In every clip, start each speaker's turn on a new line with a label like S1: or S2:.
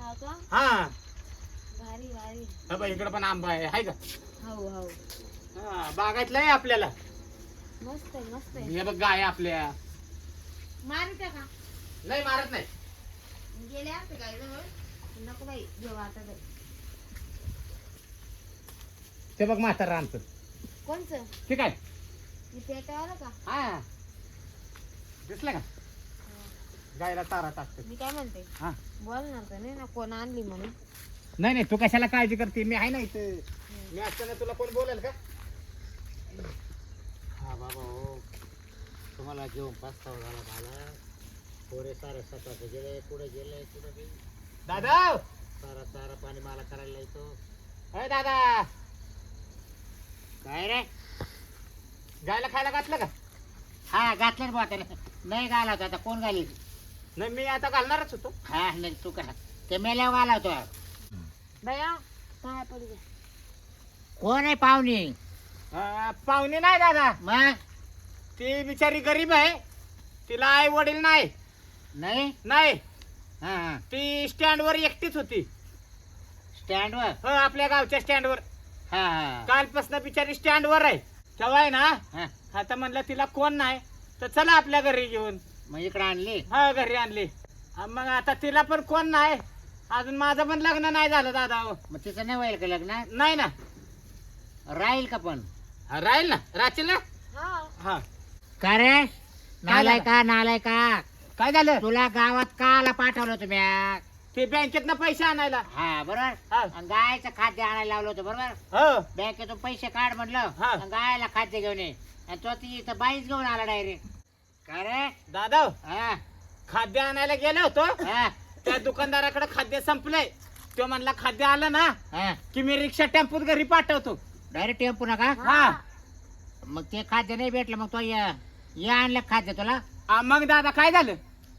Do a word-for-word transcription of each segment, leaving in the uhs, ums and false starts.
S1: हा का?
S2: हा
S1: भारी भारी.
S2: हा इकडे पण आंबा आहे हाय का?
S1: हो हो.
S2: हा बागायतलं आहे आपल्याला.
S1: मस्त आहे मस्त आहे.
S2: हे बघ गाय आपल्या.
S1: मारते का?
S2: नाही मारत नाही.
S1: गेले असते काय जवळ नको बाई घेऊ आता बाई.
S2: ते बघ म्हातारा आमचं.
S1: कोणचं?
S2: ठीक आहे.
S1: मी पेटावाला का?
S2: हा दिसलं का? गायला चारा टाकतो.
S1: मी काय म्हणते
S2: हा
S1: बोलणार तर नाही ना कोण आणली म्हणून.
S2: नाही नाही तू कशाला काळजी करते मी आहे ना इथं. मी असताना तुला कोण बोलेल का? हा बाबा हो तुम्हाला घेऊन पस्तावा झाला मला. पोरे सारे सकाळचे गेले कुठे गेले कुठे गेले. दादा सारा चारा पाणी मला करायला येतो. अरे दादा काय रे गायला खायला घातलं का?
S3: हा घातलं बा त्याला. नाही घाला होता आता कोण घाली?
S2: नाही मी आता घालणारच होतो.
S3: हा नाही तू का ते मेल्यावर घाला होतो.
S1: बया काय पडू द्या.
S3: कोण आहे पाहुणी?
S2: अं, पाहुणे नाही दादा.
S3: मग
S2: ती बिचारी गरीब आहे. तिला आई वडील नाही.
S3: नाही
S2: नाही
S3: हा हा
S2: ती स्टँड वर एकटीच होती.
S3: स्टँडवर.
S2: हो आपल्या गावच्या स्टँड वर.
S3: हा हा
S2: कालपासून बिचारी स्टँड वर आहे. तेव्हा आहे ना
S3: हा
S2: आता म्हणलं तिला कोण नाही तर चला आपल्या घरी घेऊन.
S3: मग इकडे आणली.
S2: हा घरी आणली. हा, मग आता तिला पण कोण नाही. अजून माझं पण लग्न नाही झालं दादा हो.
S3: मग तिचं नाही होईल का लग्न?
S2: नाही ना.
S3: राहील का पण?
S2: हा, राहील ना राहतील ना.
S1: हा
S2: हा
S3: का रे नालाय का नालाय का?
S2: काय झालं?
S3: तुला गावात काला पाठवलं तुम्ही?
S2: ते बँकेत पैसे आणायला.
S3: हा बरोबर.
S2: हा
S3: आणि गायचं खाद्य आणायला लावलं होतं बरोबर.
S2: हो
S3: बँकेतून पैसे काढ म्हणलं
S2: हा.
S3: आणि गायला खाद्य घेऊन ये आणि तो ती इथं बाईच घेऊन आला डायरेक्ट. का रे?
S2: दादा
S3: हा
S2: खाद्य आणायला गेलो होतो.
S3: हा
S2: त्या दुकानदाराकडे खाद्य संपलंय. तो म्हणला खाद्य आलं ना
S3: हा
S2: की मी रिक्षा टेम्पोत घरी पाठवतो.
S3: डायरेक्ट टेम्पू नका.
S2: हा
S3: मग ते खाद्य नाही भेटलं मग तो ये ये आणलं खाद्य तुला.
S2: आ, मग दादा काय झालं?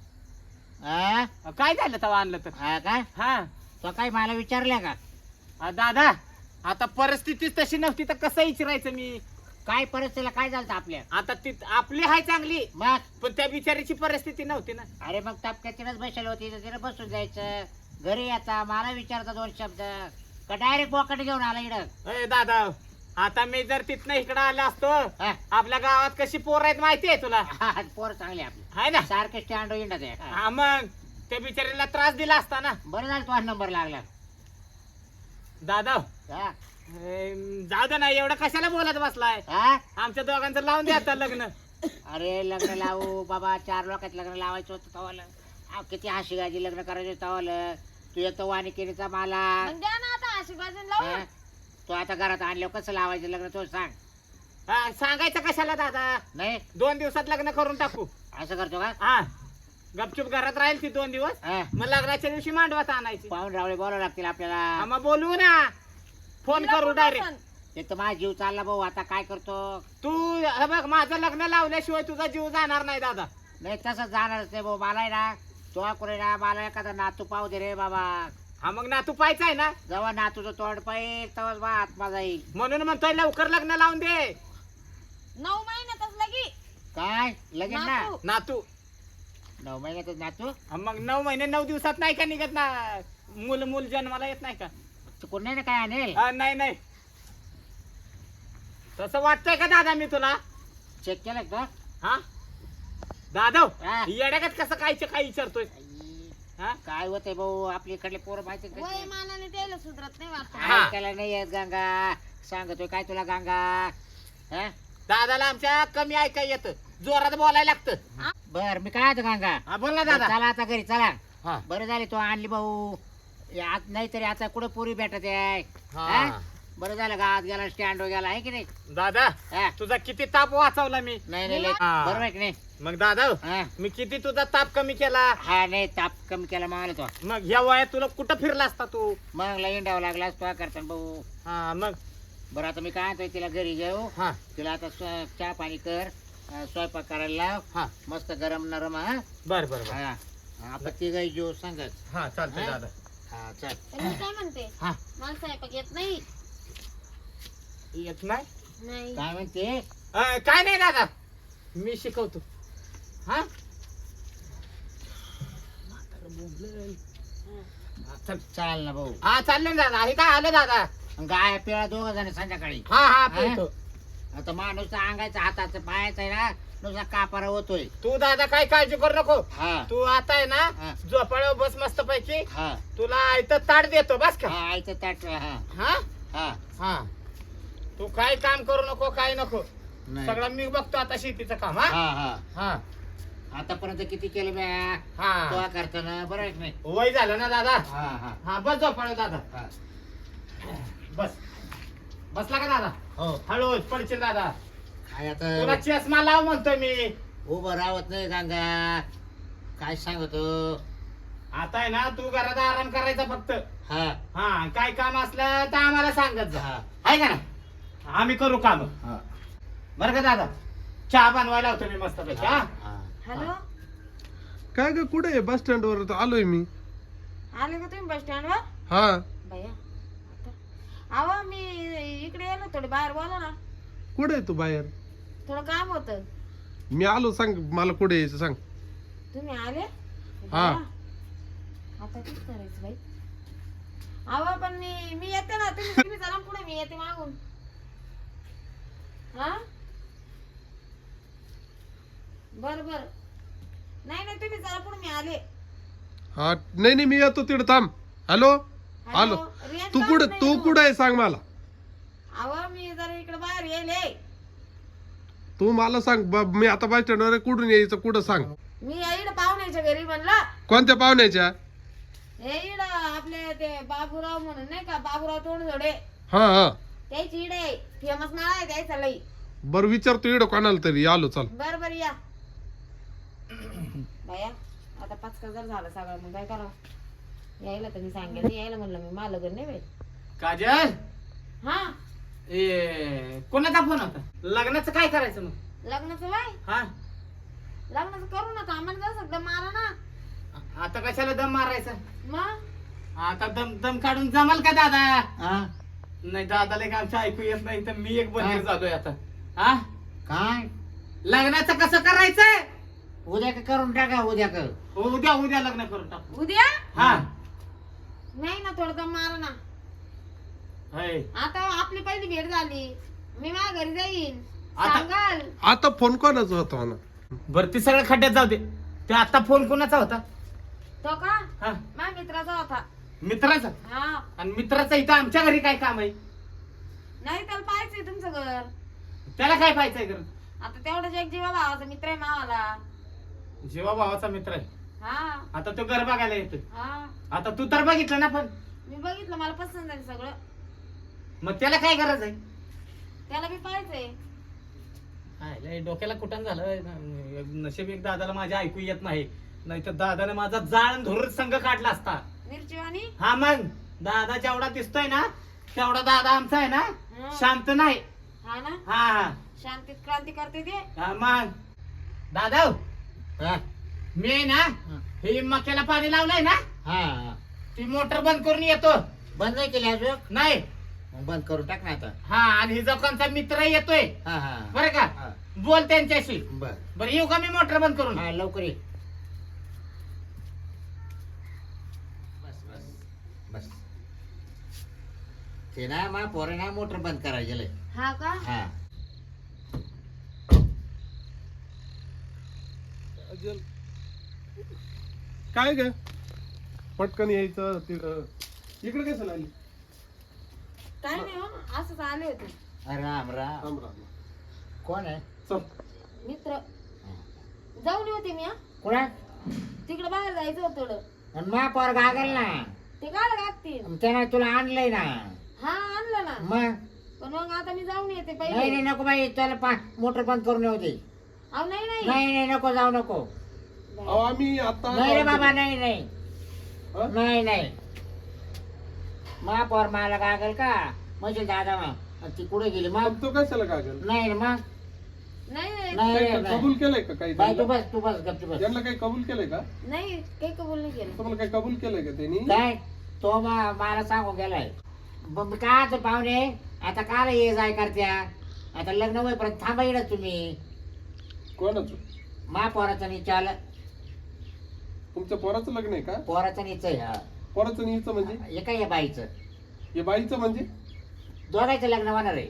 S3: हा
S2: काय झालं तेव्हा आणलं तर?
S3: हा का
S2: हा
S3: तो काही मला विचारलं का?
S2: आ, दादा आता परिस्थितीच तशी नव्हती तर कसं विचारायचं मी.
S3: काय परिस्थितीला काय झालं आपल्या?
S2: आता ती आपली हाय चांगली
S3: मग
S2: पण त्या बिचारीची परिस्थिती नव्हती ना.
S3: अरे मग टपक्यातीनच बसले होती तर तिला बसून जायचं घरी येता मला विचारता दोन शब्द का डायरेक्ट बोकट घेऊन आला इकडं.
S2: अय दादा आता मी जर तिथनं इकडं आलो असतो.
S3: हा.
S2: आपल्या गावात कशी पोर आहेत माहिती आहे तुला?
S3: हा, पोर चांगले आपले
S2: हाय ना.
S3: सारखे स्टँड इंडत आहे. हा.
S2: हा मग त्या बिचारीला त्रास दिला असता ना.
S3: बरं झालं तुझा नंबर लागला.
S2: दादा
S3: हा.
S2: अं, जाऊ दे ना एवढं कशाला बोलत बसलाय.
S3: हा?
S2: आमच्या दोघांचं लावून द्या आता लग्न.
S3: अरे लग्न लावू बाबा चार लोकात लग्न लावायचं होतं तवाला. अहो, किती हशी गाजी लग्न करायचं होतं तवाला. तू येतो वानिकेचा मला.
S1: मग द्या ना आता अशी बाजून लावू.
S3: हा? तू आता घरात आणल्यावर कसं लावायचं लग्न तो सांग.
S2: हा, सांगायचं कशाला दादा.
S3: नाही
S2: दोन दिवसात लग्न करून टाकू.
S3: असं करतो का?
S2: हा गपचूप घरात राहील ती दोन दिवस.
S3: हा.
S2: मग लग्नाच्या दिवशी मांडवात आणायची.
S3: पाहून रावळे बोलावं लागतील
S2: हा,
S3: आपल्याला.
S2: मग बोलवू ना. फोन
S1: तिला
S2: करू
S1: पण
S2: डायरेक्ट.
S1: पसंत.
S3: ते तर माझा जीव चालला भाऊ आता काय करतो.
S2: तू हे बघ माझं लग्न लावल्याशिवाय तुझा जीव जाणार नाही दादा.
S3: नाही तसं जाणारच नाही भाऊ. मला आहे ना तो कुठे ना मला एखादा नातू पाहू दे रे बाबा.
S2: हा मग नातू पाहायचा आहे ना
S3: जेव्हा नातूचं तोंड पाहिजे तेव्हाच बा आत्मा जाईल.
S2: म्हणून म्हणतोय लवकर लग्न लावून दे.
S1: नऊ महिन्यातच लगी
S3: काय लगेच ना
S1: नातू.
S2: नातू
S3: नऊ महिन्यातच नातू.
S2: हा, मग नऊ महिने नऊ दिवसात नाही का निघत ना. मूल मूल जन्माला येत नाही का?
S3: चुकून नाही ना काय आणेल.
S2: हा, नाही नाही तसं वाटतंय का दादा मी तुला?
S3: चेक केलं का?
S2: हा दादा
S3: हा.
S2: येड्यागत कसं कायचं काय विचारतोय?
S3: आई,
S2: हा
S3: काय होतंय भाऊ आपल्या इकडले पोरं माहिती
S1: वय
S3: काय
S1: मानाने त्याला सुधरत नाही वाटत.
S2: हा.
S3: त्याला नाही येत गंगा. सांगतोय काय तुला गंगा. हा?
S2: दादाला आमच्या कमी ऐकाय येतं. जोरात बोलायला लागतं.
S3: बर मी काय होतो गंगा.
S2: हा बोल ना दादा.
S3: चला आता घरी चला.
S2: हा
S3: बरं झाले तो आणली भाऊ. नाही तरी आता कुठं पोरी भेटत आहे.
S2: हा.
S3: हा? बरं झालं गावात गेला स्टँड वर गेला आहे की नाही.
S2: दादा
S3: हा?
S2: तुझा किती ताप वाचवला मी.
S3: नाही नाही लय-
S2: हा.
S3: बरोबर आहे की नाही.
S2: मग दादा
S3: हा?
S2: मी किती तुझा ताप कमी केला.
S3: हा नाही ताप कमी केला मागला तो.
S2: मग ह्या वयात तुला कुठं फिरला असता तू?
S3: मग लई इंडावं लागला तो करता भाऊ.
S2: हा मग
S3: बरं आता मी काय म्हणतोय तिला घरी घेऊ.
S2: हा
S3: तिला आता स्व- चहा पाणी कर. अं, स्वयंपाक करायला लाव.
S2: हा
S3: मस्त गरम नरम. हा
S2: बर बर बर.
S3: हा. आपण तिघही जेव सांगत.
S2: हा चालतंय
S3: हा?
S2: दादा.
S3: हा चल.
S1: तर मी काय म्हणते
S2: हा
S1: मला स्वयंपाक येत नाही.
S2: येत नाही.
S1: नाही
S3: काय म्हणते.
S2: अं, काय नाही दादा मी शिकवतो. हा म्हातारं बोंबलंय. चल.
S3: चाल ना भाऊ.
S2: हा चाललो ना दादा. हे काय आलं दादा?
S3: गाय पिळा दोघ जण संध्याकाळी.
S2: हा हा
S3: हा?
S2: पिळतो.
S3: आता माणूस अंगायचं हाताचं पायाचं आहे ना नुसता कापारा होतोय.
S2: तू दादा काय काळजी करू नको.
S3: हा
S2: तू आता आहे
S3: हा.
S2: ना झोपाळ्यावर बस मस्त पैकी.
S3: हा
S2: तुला इथं ताट देतो बस का.
S3: हा आयचं ताट. हा
S2: हा
S3: हा
S2: हा तू काय काम करू नको काय नको.
S3: नाही.
S2: सगळं मी बघतो आता शेतीचं काम. हा
S3: हा हा
S2: हा
S3: आतापर्यंत किती केलं म्या
S2: हा
S3: तो करताना बरं आहे की नाही.
S2: वय झालं ना दादा.
S3: हा हा
S2: हा बस झोपाळ्या दादा.
S3: हा
S2: बस बसला का दादा?
S3: हो
S2: हळूच पडशील दादा.
S3: काय
S2: तुला
S3: आता
S2: चष्मा लाव म्हणतोय मी.
S3: उभं राहत नाही गंगा. काय सांगतो.
S2: आता आहे ना तू घरात आराम करायचा फक्त.
S3: हा
S2: हा काय काम असलं तर आम्हाला सांगत जा.
S3: हा
S2: आहे का ना. आम्ही करू काम.
S3: हा
S2: बरं का दादा. चहा बनवायला होतो मी मस्त पैकी. हा
S3: हा
S1: हॅलो
S4: काय ग कुठे आहे? बस स्टँड वर आलोय मी.
S1: आले का तुम्ही बस स्टँड वर?
S4: हा
S1: भैया आता अहो मी इकडे येलो थोडे बाहेर बोला ना.
S4: कुठे आहे तू बाहेर?
S1: थोडं काम होतं.
S4: मी आलो. सांग मला कुठे यायचं सांग.
S1: तुम्ही आले?
S4: हा.
S1: भैया, आता काय करायचं बाई? अहो पण मी मी येते ना. तुम्ही तुम्ही चला पुढे मी येते मागून. हा बर बर नाही नाही तुम्ही चला पुढे मी आले.
S4: हा नाही नाही मी येतो तिकडे थांब. हॅलो आलो.
S1: रेंज
S4: तू
S1: काढत
S4: कुठे
S1: नाही
S4: तू
S1: हो.
S4: कुठे आहे सांग मला.
S1: अहो मी जरा इकडे बाहेर येले.
S4: तू मला सांग ब- मी आता बस स्टँड वर आहे, कुठून यायचं कुठं सांग.
S1: मी इकडे पाहुण्याच्या घरी म्हणलं.
S4: कोणत्या पाहुण्याच्या?
S1: हे इड आपले ते बाबूराव म्हणून नाही का बाबूराव तोंडजोडे
S4: हा हा
S1: त्याची इडे फेमस नाव आहे द्यायचा लई.
S4: बरं विचारतो इकडं कोणाला तरी. आलो चल.
S1: बर बर या बाया. आता पाच हजार झालं सगळं मग काय करावं. यायला तर मी सांगेल यायला म्हणलं मी मला लग्न नाही बाई.
S2: काजल.
S1: हा
S2: ए कोणाचा फोन होता? लग्नाचं काय करायचं मग?
S1: लग्नाचं बाई
S2: हा
S1: लग्नाचं करू नका आम्हाला जाऊ शकता मारा ना.
S2: आता कशाला दम मारायचा?
S1: मग
S2: आता दम दम काढून जमाल का दादा?
S3: हा
S2: नाही दादाला एक आमचं ऐकू येत नाही तर मी एक बंदीर
S3: काय?
S2: झालोय आता. हा
S3: काय
S2: लग्नाचं कसं करायचंय?
S3: उद्या का करून टाका. उद्या कर.
S2: उद्या उद्या लग्न करून टाकू.
S1: उद्या
S2: हा
S1: नाही ना थोडं दम मारा ना.
S2: होय.
S1: आता आपली पहिली भेट झाली. मी माझ्या घरी जाईन
S2: आता-
S1: सांगाल.
S4: आता फोन कोणाचा होता म्हणा?
S2: बरं ती सगळं खड्ड्यात जाऊ दे. ते आता फोन कोणाचा होता?
S1: तो का
S2: हा
S1: माझ्या मित्राचा होता.
S2: मित्राचा.
S1: हा
S2: आणि मित्राचा इथं आमच्या घरी काय काम आहे?
S1: नाही त्याला पाहायचंय तुमचं घर.
S2: त्याला काय पाहायचंय घर?
S1: आता तेवढाच एक जीवा भावाचा मित्र आहे मावाला.
S2: जेव्हा भावाचा मित्र आहे.
S1: हा
S2: आता तो घर बघायला येतोय.
S1: हा
S2: आता तू तर बघितलं ना पण.
S1: मी बघितलं मला पसंत आहे सगळं.
S2: मग त्याला काय गरज आहे?
S1: त्याला मी पाहायचंय.
S2: हाय, लय डोक्याला कुठं झालं. नशीब एक दादाला माझ्या ऐकू येत नाही. नाही तर दादाने माझा जाळ धरून संघ काढला असता.
S1: मिरचीवाणी.
S2: हा मग दादा जेवढा दिसतोय ना तेवढा दादा आमचा आहे ना
S1: हा.
S2: शांत नाही.
S1: हा ना
S2: हा हा
S1: शांतीत क्रांती करते ते.
S2: हा, मग दादा
S3: हा
S2: मी आहे ना हे मक्याला पाणी लावलंय ना
S3: हा
S2: ती मोटर बंद करून येतो.
S3: बंद नाही केली अजून.
S2: नाही
S3: मग बंद करून टाक ना आता.
S2: हा आणि हिचा कोणचा मित्र येतोय
S3: हा हा
S2: बरं का.
S3: हा.
S2: बोल त्यांच्याशी.
S3: बर
S2: बरं येऊ का मी मोटर बंद करून?
S3: हा लवकर ये. बस बस बस. ते ना मा पोरे ना मोटर बंद करायला गेलंय.
S1: हा का
S3: हा
S4: अजल. काय ग पटकन यायचं तिकडं. इकडे कसं आली?
S1: काय नाही हो असंच आले होते.
S3: राम राम.
S4: थांब राम.
S3: कोण आहे?
S4: चल.
S1: मित्र जाऊन होते मी. हा
S3: कुणा?
S1: तिकडे बाहेर जायचं होतं थोडं.
S3: आणि मा पोर गागल ना.
S1: ते काय लागतील.
S3: त्यानं तुला आणलंय ना.
S1: हा आणलं ना.
S3: मग
S1: पण मग आता मी जाऊन येते
S3: नाही
S1: पहिले.
S3: नाही नको बाई. त्याला पा मोटर बंद करून येऊ दे.
S1: अहो नाही नाही
S3: नाही नाही नको जाऊ नको.
S4: अहो आम्ही आता
S3: नाही रे बाबा नाही नाही
S4: हा?
S3: नाही नाही. मा पोर मला गागल का म्हणजे दादा मा ती कुठे गेली मग?
S4: मग तो कशाला कागल?
S3: नाही रे मग
S1: नाही नाही
S3: नाही
S4: काही
S3: रे
S4: का-
S3: नाही.
S4: कबूल केलंय का काही
S3: बाई तू
S4: त्यांना?
S3: बस तू बस गपची बस.
S4: यांना काही कबूल केलंय का?
S1: नाही काही कबूल नाही केलं.
S4: तुम्हाला काही कबूल केलंय का त्यांनी?
S3: काय तो मा- मला सांगून गेलाय. मग काय आता पाहुणे आता काल ये जाय करत्या. आता लग्न होईपर्यंत थांबा येणार तुम्ही.
S4: कोणाचं?
S3: मा पोराचं निचाल.
S4: तुमच्या पोराचं लग्न आहे का?
S3: पोराचं निच आहे. हा
S4: पोराचं आणि हिचं म्हणजे
S3: हे काय या बाईचं
S4: हे बाईचं म्हणजे
S3: दोघांचं लग्न होणार आहे.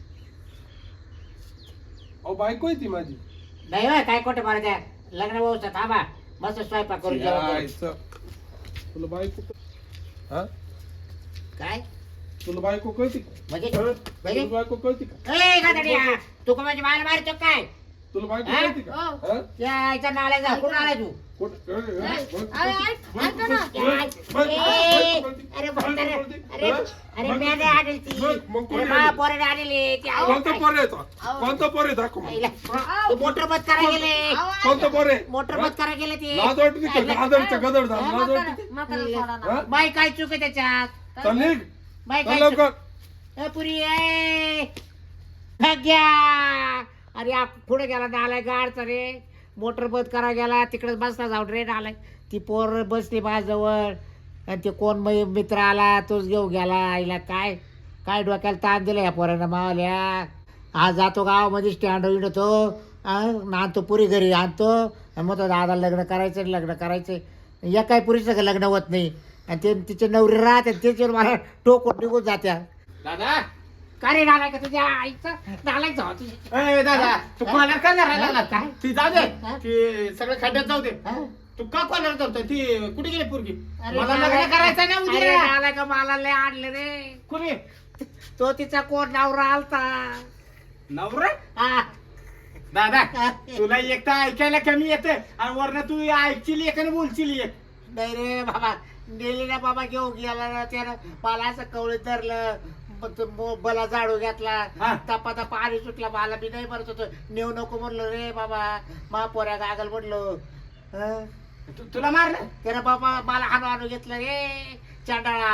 S4: अहो बायको आहे ती माझी.
S3: नाही होय, काय खोटं मारा त्या लग्न व्यवस्था थांबा मस्त स्वयंपाक करून जेवण करू.
S4: यायचं. तुला बायको हा
S3: काय
S4: तुला बायको कळती का?
S3: म्हणजे
S4: तुला
S3: म्हणजे
S4: बायको कळती का?
S3: ए गाडया तू का म्हणजे मला मारतो काय
S4: तुला बायको
S3: हा?
S4: कळती का?
S1: हो.
S4: हा?
S3: या इथं नाला जा कुठं आला तू
S4: कोण- अरे, अरे,
S1: नाही.
S4: बायको
S1: अरे,
S4: कळती.
S1: ऐक-
S4: बायको
S1: ऐका ना.
S4: कळती.
S3: ए,
S4: बायको कळती.
S3: अरे
S4: बायको
S3: म्हातारे,
S4: कळती.
S3: अरे
S4: हा?
S3: अरे
S4: बायको
S3: म्याने
S4: कळती.
S3: आणली ती
S4: मग- मग कोणी
S3: अरे मा
S4: आणली?
S3: पोराने आणली ती आई
S4: कोणतं
S3: काय-
S4: पोर आहे तो?
S1: अहो.
S4: कोणतं पोर आहे दाखव मला.
S3: आईला- ते मोटर बंद करायला गेले
S1: अहो, ऐका.
S4: कोणतं पोर आहे?
S3: मोटर बंद करायला गेले ते
S4: लाज वाटते का? गादरचं गदर झालं.
S1: अहो,
S4: लाज
S1: म्हातारा-
S4: वाटते?
S1: म्हातारा सोडा ना.
S4: हा?
S3: बाई काय चूक आहे त्याच्यात
S4: चल निघ.
S3: बाई
S4: चल
S3: काय चूक-
S4: लवकर.
S3: ए, पुरी ए भाग्या अरे आ- पुढे गेला नालाय गाडचा रे मोटर बंद करा गेला तिकडे बसला जाऊन रे नालाय ती पोर बसली माझ्याजवळ आणि ते कोण मै मित्र आला तोच घेऊन गेला आईला काय काय डोक्याला ताण दिला या पोरानं मावल्या आज जातो गावामध्ये स्टँड विणतो आणतो पुरी घरी आणतो आणि मग तो दादा लग्न करायचं लग्न करायचं या काही पुरीचं का लग्न होत नाही आणि ते तिचे नवरे राहते त्याच्यावर मला टोकून निघून जात्या
S2: दादा
S3: का रे नालाय का तुझ्या आईचं नालायक जाऊ तुझी
S2: ए दादा तू कॉलर का नाही राहिला ना?
S3: काय?
S2: ती जाऊ दे
S3: हा?
S2: ती सगळं खड्ड्यात जाऊ दे.
S3: हा?
S2: तू का कॉलर करतो ती कुठे गेली पोरगी
S3: अरे
S2: मला
S3: नालायक-
S2: लग्न करायचं ना
S3: अरे
S2: उद्या
S3: नालायक मला लय आणलं रे
S2: कुणी
S3: तो तिचा कोण नवरा आलता
S2: नवरा
S3: हा.
S2: दादा तुला एक तर ऐकायला कमी येते आणि वरनं तू ऐकशील एक आणि बोलशील एक.
S3: नाही रे बाबा गेली ना बाबा घेऊन गेला ना त्यानं मला असं कवळीत धरलं मग तो मो- बला झाडू घेतला
S2: हा.
S3: तपा तपा पाणी सुटला मला बी नाही भरत होतो नेऊ नको म्हणलो रे बाबा मा पोऱ्या गागल म्हणलो हं?
S2: तू- तुला मारलं
S3: त्यानं बाबा मला हाणू हाणू घेतलं रे चांडाळा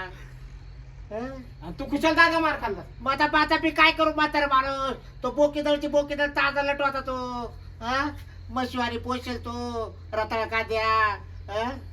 S3: हं?
S2: आणि तू कुशल दादा मार खाल्ला
S3: मग आता आता मी काय करू म्हातारा माणूस तो बोकीदळची बोकीदळ ताजा लटवाता तो हा मशिवारी पोषेल तो रताळा कांद्या हं?